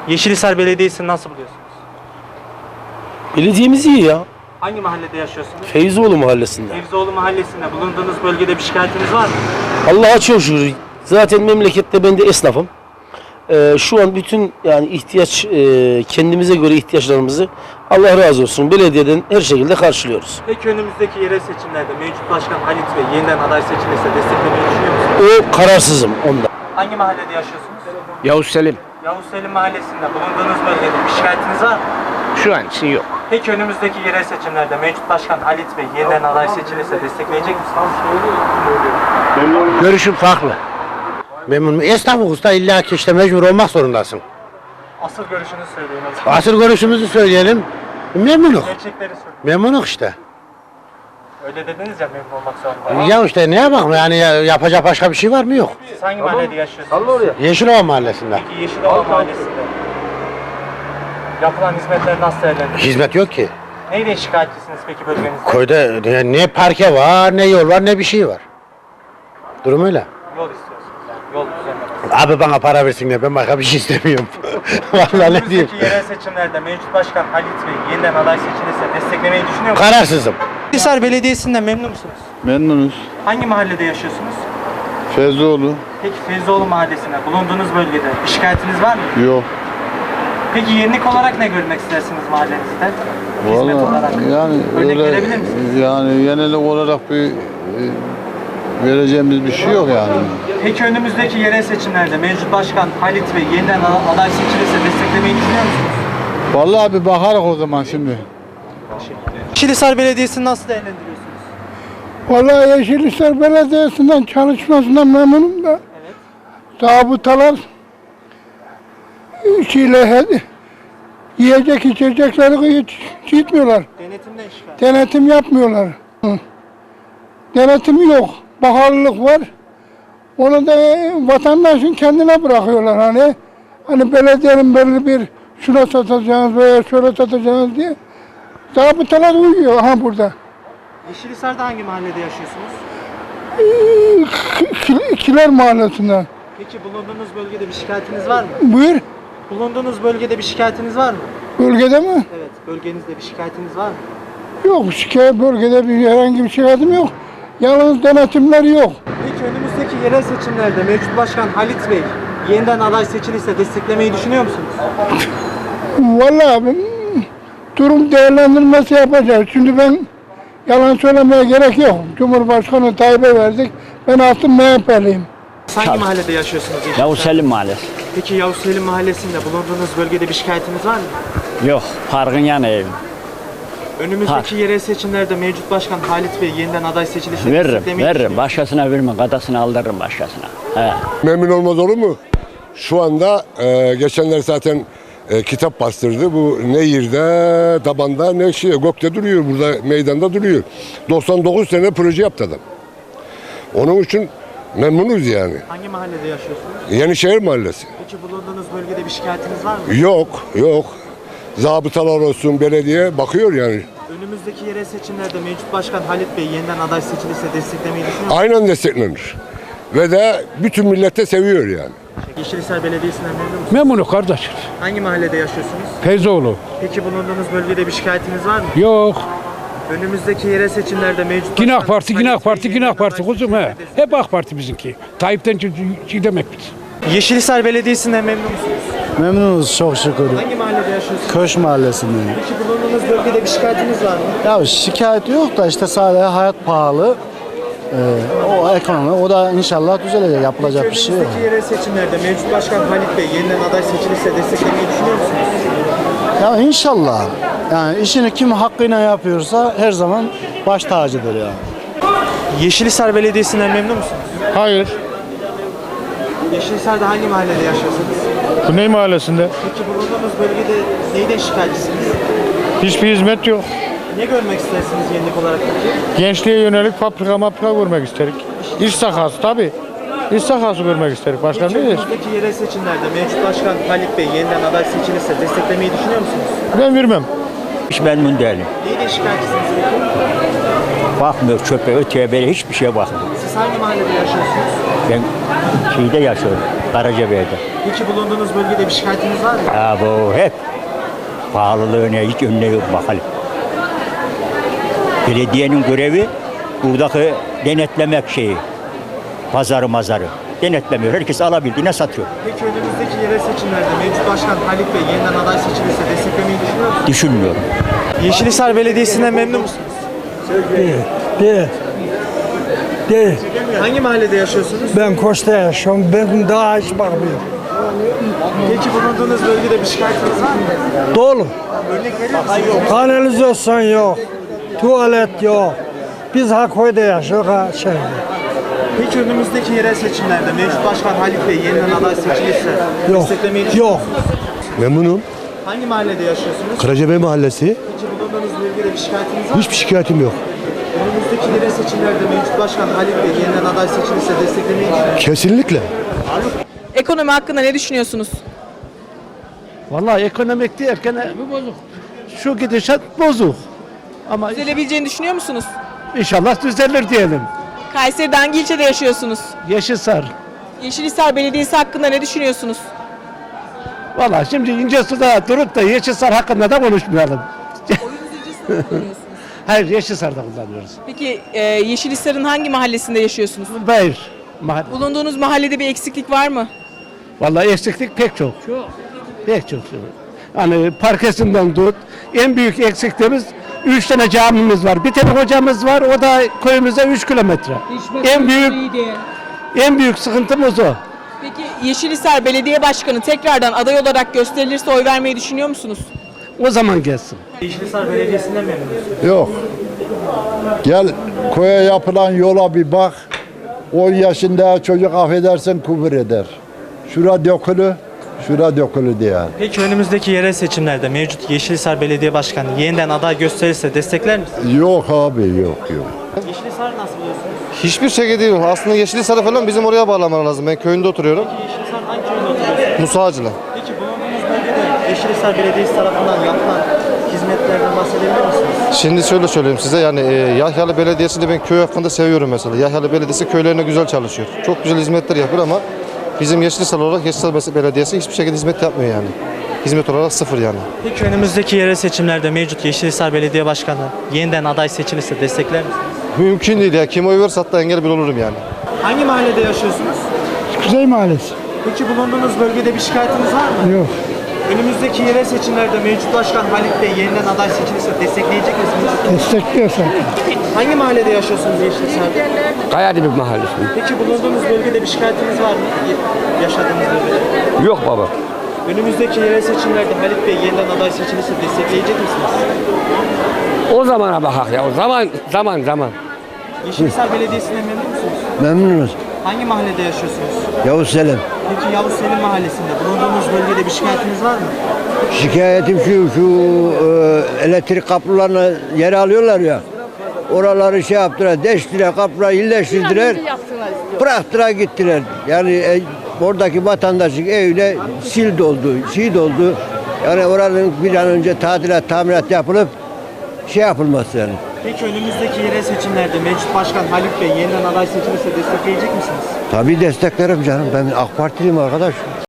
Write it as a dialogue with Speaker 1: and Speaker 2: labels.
Speaker 1: Yeşilhisar Belediyesi'ni nasıl buluyorsunuz?
Speaker 2: Belediyemiz iyi ya.
Speaker 1: Hangi mahallede yaşıyorsunuz?
Speaker 2: Feyzoğlu mahallesinde.
Speaker 1: Fevzioğlu Mahallesi'nde bulunduğunuz bölgede bir şikayetiniz var mı?
Speaker 2: Allah'a çok şükür. Zaten memlekette ben de esnafım. Şu an bütün yani ihtiyaç kendimize göre ihtiyaçlarımızı Allah razı olsun belediyeden her şekilde karşılıyoruz.
Speaker 1: Peki önümüzdeki yerel seçimlerde mevcut başkan Halit Bey yeniden aday seçilirse desteklemeyi düşünüyor musunuz?
Speaker 2: O kararsızım onda.
Speaker 1: Hangi mahallede yaşıyorsunuz?
Speaker 3: Yavuz Selim.
Speaker 1: Yavuz Selim Mahallesi'nde bulunduğunuz bölgede bir şikayetiniz var mı?
Speaker 3: Şu an için yok.
Speaker 1: Peki önümüzdeki yerel seçimlerde mevcut başkan Halit Bey yeniden aday seçilirse destekleyecek misiniz?
Speaker 3: Görüşüm farklı.
Speaker 4: Memnunum. Esnafı usta illa ki işte mecbur olmak zorundasın.
Speaker 1: Asıl görüşünüzü söyleyin o zaman.
Speaker 4: Asıl görüşümüzü söyleyelim. Memnunuk.
Speaker 1: Gerçekleri söyleyin.
Speaker 4: Memnunuk işte.
Speaker 1: Öyle dediniz ya memnun olmak zorunda.
Speaker 4: Ya işte ne yapalım yani yapacak başka bir şey var mı yok.
Speaker 1: Siz hangi mahallede yaşıyorsunuz?
Speaker 4: Yeşilova mahallesinde.
Speaker 1: Peki Yeşilova Mahallesi'nde yapılan hizmetleri nasıl değerlendiriyorsunuz?
Speaker 4: Hizmet yok ki.
Speaker 1: Neyle şikayetçisiniz peki bölgenizde?
Speaker 4: Köyde ne parke var, ne yol var, ne bir şey var. Durum öyle.
Speaker 1: Yol istiyorsunuz yani. Yol düzenlemesi.
Speaker 4: Abi bana para versinler, ben başka bir şey istemiyorum. Vallahi ne diyeyim.
Speaker 1: Önümüzdeki yerel seçimlerde mevcut başkan Halit Bey yeniden aday seçilirse desteklemeyi düşünüyor musunuz?
Speaker 4: Kararsızım.
Speaker 1: Yeşilhisar Belediyesi'nden memnun musunuz?
Speaker 5: Memnunuz.
Speaker 1: Hangi mahallede yaşıyorsunuz?
Speaker 5: Feyzoğlu
Speaker 1: Peki Fevzioğlu Mahallesi'nde bulunduğunuz bölgede bir şikayetiniz var mı?
Speaker 5: yok.
Speaker 1: Peki yenilik olarak ne görmek istersiniz mahallenizde? Hizmet olarak.
Speaker 5: Vallahi yani
Speaker 1: Örnek
Speaker 5: öyle
Speaker 1: verebilir misiniz?
Speaker 5: yani yenilik olarak bir vereceğimiz bir şey yok yani.
Speaker 1: Peki önümüzdeki yerel seçimlerde mevcut başkan Halit Bey yeniden aday seçilirse desteklemeyi düşünüyor musunuz?
Speaker 5: Vallahi bir bakarız o zaman şimdi.
Speaker 1: Yeşilhisar Belediyesi'ni nasıl değerlendiriyorsunuz?
Speaker 6: Vallahi Yeşilhisar Belediyesi'nden çalışmasından memnunum da.
Speaker 1: Evet.
Speaker 6: Zabıtalar yiyecek içecekleri hiç gitmiyorlar.
Speaker 1: Denetimden şikayet.
Speaker 6: Denetim yapmıyorlar. Denetim yok. Bakarlılık var. Onu da vatandaşın kendine bırakıyorlar hani. Hani belediyenin belli bir şuna satacağınız veya şöyle satacağınız diye. Zabıtalar uyuyor ha burada.
Speaker 1: Yeşilhisar'da hangi mahallede yaşıyorsunuz?
Speaker 6: Kiler Mahallesi'nde.
Speaker 1: Peki bulunduğunuz bölgede bir şikayetiniz var mı?
Speaker 6: Buyur.
Speaker 1: Bulunduğunuz bölgede bir şikayetiniz var mı?
Speaker 6: Bölgede mi?
Speaker 1: Evet, bölgenizde bir şikayetiniz var mı?
Speaker 6: Yok, şikayet bölgede herhangi bir şikayetim yok. Yalnız denetimler yok.
Speaker 1: Peki önümüzdeki yerel seçimlerde mevcut başkan Halit Bey yeniden aday seçilirse desteklemeyi düşünüyor musunuz?
Speaker 6: Vallahi durum değerlendirmesi yapacağız. Şimdi ben yalan söylemeye gerek yok. Cumhurbaşkanı Tayyip'e verdik. Ben aslında MHP'liyim.
Speaker 1: Hangi mahallede yaşıyorsunuz?
Speaker 3: Yavuz Selim Mahallesi.
Speaker 1: Peki Yavuz Selim Mahallesi'nde bulunduğunuz bölgede bir şikayetiniz var mı?
Speaker 3: Yok. Parkın yanı evim.
Speaker 1: Önümüzdeki yerel seçimlerde mevcut başkan Halit Bey yeniden aday seçilirse
Speaker 3: Veririm.
Speaker 1: desteklemeyi
Speaker 3: Veririm.
Speaker 1: düşünüyor
Speaker 3: Başkasına vermem. Gadasını aldırırım başkasına. He.
Speaker 7: Memnun olmaz olur mu? Şu anda geçenler zaten kitap bastırdı. Bu Nehir'de, tabanda, ne şey, Gök'te duruyor. Burada meydanda duruyor. 99 sene proje yaptı adam. Onun için memnunuz yani.
Speaker 1: Hangi mahallede yaşıyorsunuz?
Speaker 7: Yenişehir Mahallesi.
Speaker 1: Peki bulunduğunuz bölgede bir şikayetiniz var mı?
Speaker 7: Yok, yok. Zabıtalar olsun, belediye bakıyor yani.
Speaker 1: Önümüzdeki yerel seçimlerde mevcut başkan Halit Bey yeniden aday seçilirse desteklemeyi düşünüyor musunuz?
Speaker 7: Aynen desteklenir. Ve de bütün millete seviyor yani.
Speaker 1: Yeşilhisar Belediyesi'nden memnun musunuz?
Speaker 8: Memnunum kardeş.
Speaker 1: Hangi mahallede yaşıyorsunuz?
Speaker 8: Feyzoğlu.
Speaker 1: Peki bulunduğunuz bölgede bir şikayetiniz var mı?
Speaker 8: Yok.
Speaker 1: Önümüzdeki yerel seçimlerde mevcut
Speaker 8: Yine AK
Speaker 1: başkan
Speaker 8: Parti, yine
Speaker 1: Halit
Speaker 8: AK Parti,
Speaker 1: Bey
Speaker 8: yine AK
Speaker 1: yeniden
Speaker 8: Parti
Speaker 1: aday
Speaker 8: kuzum he.
Speaker 1: seçilirse
Speaker 8: Hep AK Parti bizimki. Tayyip'ten şey demek biz.
Speaker 1: Yeşilhisar Belediyesi'nden memnun musunuz?
Speaker 9: Memnunuz çok şükür.
Speaker 1: Hangi mahallede yaşıyorsunuz?
Speaker 9: Köş mahallesinde.
Speaker 1: Peki bulunduğunuz bölgede bir şikayetiniz var mı?
Speaker 9: Ya şikayet yok da işte sadece hayat pahalı. O ekonomi, o da inşallah düzelecek. Yapılacak bir şey yok.
Speaker 1: Önümüzdeki yerel seçimlerde mevcut başkan Halit Bey yeniden aday seçilirse desteklemeyi düşünüyor musunuz?
Speaker 9: Ya inşallah. Yani işini kim hakkıyla yapıyorsa her zaman baş tacıdır yani.
Speaker 1: Yeşilhisar Belediyesi'nden memnun musunuz?
Speaker 8: Hayır.
Speaker 1: Yeşilhisar'da hangi mahallede yaşıyorsunuz?
Speaker 8: Güney Mahallesi'nde
Speaker 1: Peki bulunduğunuz bölgede neyden şikayetçisiniz?
Speaker 8: hiçbir hizmet yok.
Speaker 1: Ne görmek istersiniz yenilik olarak peki?
Speaker 8: Gençliğe yönelik fabrika görmek isterik. İş sahası tabii. İş sahası görmek isterik. Başka
Speaker 1: Peki
Speaker 8: ne diyeceğiz?
Speaker 1: önümüzdeki yerel seçimlerde mevcut başkan Halit Bey yeniden aday seçilirse desteklemeyi düşünüyor musunuz?
Speaker 8: Ben vermem.
Speaker 3: Hiç memnun değilim.
Speaker 1: Neyden şikayetçisiniz peki?
Speaker 3: Bakmıyor çöpe, öteye böyle hiçbir şeye bakmıyor.
Speaker 1: Siz Siz hangi mahallede yaşıyorsunuz?
Speaker 3: Ben şeyde yaşıyorum. Karacabey'de.
Speaker 1: Peki bulunduğunuz bölgede bir şikayetiniz var mı?
Speaker 3: Ha bu hep pahalılığına hiç önüne yok bakalım. Belediyenin görevi buradaki denetlemek şeyi. Pazarı mazarı. Denetlemiyor. Herkes alabildiğine satıyor.
Speaker 1: Peki önümüzdeki yerel seçimlerde mevcut başkan Halit Bey yeniden aday seçilirse desteklemeyi düşünüyor musunuz?
Speaker 3: Düşünmüyorum.
Speaker 1: Yeşilhisar Belediyesi'nden memnun musunuz?
Speaker 10: Değil.
Speaker 1: Hangi mahallede yaşıyorsunuz?
Speaker 10: Ben Koç'ta yaşıyorum. Ben daha hiç bakmıyorum.
Speaker 1: Peki bulunduğunuz bölgede bir şikayetiniz var mı?
Speaker 10: Dolu.
Speaker 1: Örnek verir misiniz?
Speaker 10: Kanalizasyon yok. Tuvalet yok. Biz Hakköy'de yaşıyoruz. Şeyde.
Speaker 1: Peki önümüzdeki yerel seçimlerde mevcut başkan Halit Bey yeniden aday seçilirse
Speaker 10: Yok.
Speaker 1: desteklemeyi düşünüyor
Speaker 10: Yok.
Speaker 1: musunuz?
Speaker 11: Memnunum.
Speaker 1: Hangi mahallede yaşıyorsunuz?
Speaker 11: Karacabey Mahallesi.
Speaker 1: Peki bulunduğunuz bölgede bir şikayetiniz var mı?
Speaker 11: Hiçbir şikayetim yok.
Speaker 1: Önümüzdeki yerel seçimlerde mevcut başkan Halit Bey yeniden aday seçilirse desteklemeyi düşünüyor musunuz?
Speaker 11: Kesinlikle.
Speaker 12: Ekonomi hakkında ne düşünüyorsunuz?
Speaker 2: Vallahi ekonomik derken şu gidişat bozuk. Ama
Speaker 12: Düzelebileceğini düşünüyor musunuz?
Speaker 2: inşallah düzelir diyelim.
Speaker 12: Kayseri'de hangi ilçede yaşıyorsunuz?
Speaker 2: Yeşilsar.
Speaker 12: Yeşilhisar Belediyesi hakkında ne düşünüyorsunuz?
Speaker 2: Vallahi şimdi İncesu'da durup da Yeşilsar hakkında da konuşmayalım. Hayır, Yeşilsar'da kullanıyoruz.
Speaker 12: Peki Yeşilhisar'ın hangi mahallesinde yaşıyorsunuz?
Speaker 2: Hayır. Mahalle.
Speaker 12: Bulunduğunuz mahallede bir eksiklik var mı?
Speaker 2: Vallahi eksiklik pek çok. Pek çok. Hani parkesinden tut. En büyük eksikliğimiz 3 tane camimiz var. Bir tane hocamız var. O da köyümüze 3 kilometre. En büyük sıkıntımız o.
Speaker 12: Peki Yeşilhisar Belediye Başkanı tekrardan aday olarak gösterilirse oy vermeyi düşünüyor musunuz?
Speaker 2: O zaman gelsin.
Speaker 1: Yeşilhisar Belediyesi'nden memnun musunuz?
Speaker 5: Yok. Gel köye yapılan yola bir bak. 10 yaşında çocuk affedersin kubur eder. Şura dökülü, şura dökülü diye.
Speaker 1: Peki önümüzdeki yerel seçimlerde mevcut Yeşilhisar Belediye Başkanı yeniden aday gösterirse destekler misiniz?
Speaker 5: Yok abi yok.
Speaker 1: Yeşilhisar nasıl buluyorsunuz?
Speaker 8: Hiçbir şey değil. Aslında Yeşilhisar'ı falan bizim oraya bağlamalar lazım. Ben köyünde oturuyorum.
Speaker 1: Yeşilhisar hangi köyde oturuyorsunuz?
Speaker 8: Musa Ağacı'la.
Speaker 1: Peki bulunduğunuz bölgede Yeşilhisar Belediyesi tarafından yapılan hizmetlerden bahsedebilir misiniz?
Speaker 8: Şimdi şöyle söyleyeyim size yani Yahyalı Belediyesi'ni ben köy hakkında seviyorum mesela. Yahyalı Belediyesi köylerine güzel çalışıyor. Çok güzel hizmetler yapıyor ama bizim Yeşilhisar olarak Yeşilhisar Belediyesi hiçbir şekilde hizmet yapmıyor yani. Hizmet olarak sıfır yani.
Speaker 1: Peki önümüzdeki yerel seçimlerde mevcut Yeşilhisar Belediye Başkanı yeniden aday seçilirse destekler misiniz?
Speaker 8: Mümkün değil ya. Kim oy verirse hatta engel bile olurum yani.
Speaker 1: Hangi mahallede yaşıyorsunuz?
Speaker 6: Kuzey Mahallesi.
Speaker 1: Peki bulunduğunuz bölgede bir şikayetiniz var mı?
Speaker 6: Yok.
Speaker 1: Önümüzdeki yerel seçimlerde mevcut başkan Halit Bey yeniden aday seçilirse destekleyecek misiniz?
Speaker 6: Destekliyor zaten.
Speaker 1: Hangi mahallede yaşıyorsunuz Yeşilhisar'da?
Speaker 11: Kayadibi Mahallesi.
Speaker 1: Peki bulunduğunuz bölgede bir şikayetiniz var mı? Yaşadığınız bölgede.
Speaker 11: Yok baba.
Speaker 1: Önümüzdeki yerel seçimlerde Halit Bey yeniden aday seçilirse destekleyecek misiniz?
Speaker 11: O zamana bakak ya. O zaman.
Speaker 1: Yeşilhisar Belediyesi'nden memnun musunuz?
Speaker 9: Memnunuz.
Speaker 1: Hangi mahallede yaşıyorsunuz?
Speaker 9: Yavuz Selim.
Speaker 1: Peki Yavuz Selim Mahallesi'nde bulunduğunuz bölgede bir şikayetiniz var mı?
Speaker 9: Şikayetim şu elektrik kapılarına yer alıyorlar ya. Oraları şey yaptılar, deştiler, kapıları iyileştirdiler. Bıraktılar gittiler. Yani oradaki vatandaşın evine sil doldu, şey doldu. Yani oranın bir an önce tamirat yapılıp şey yapılması yani.
Speaker 1: Peki önümüzdeki yerel seçimlerde mevcut başkan Halit Bey yeniden aday seçilirse destekleyecek misiniz?
Speaker 9: Tabii desteklerim canım. Ben AK Partiliyim arkadaş.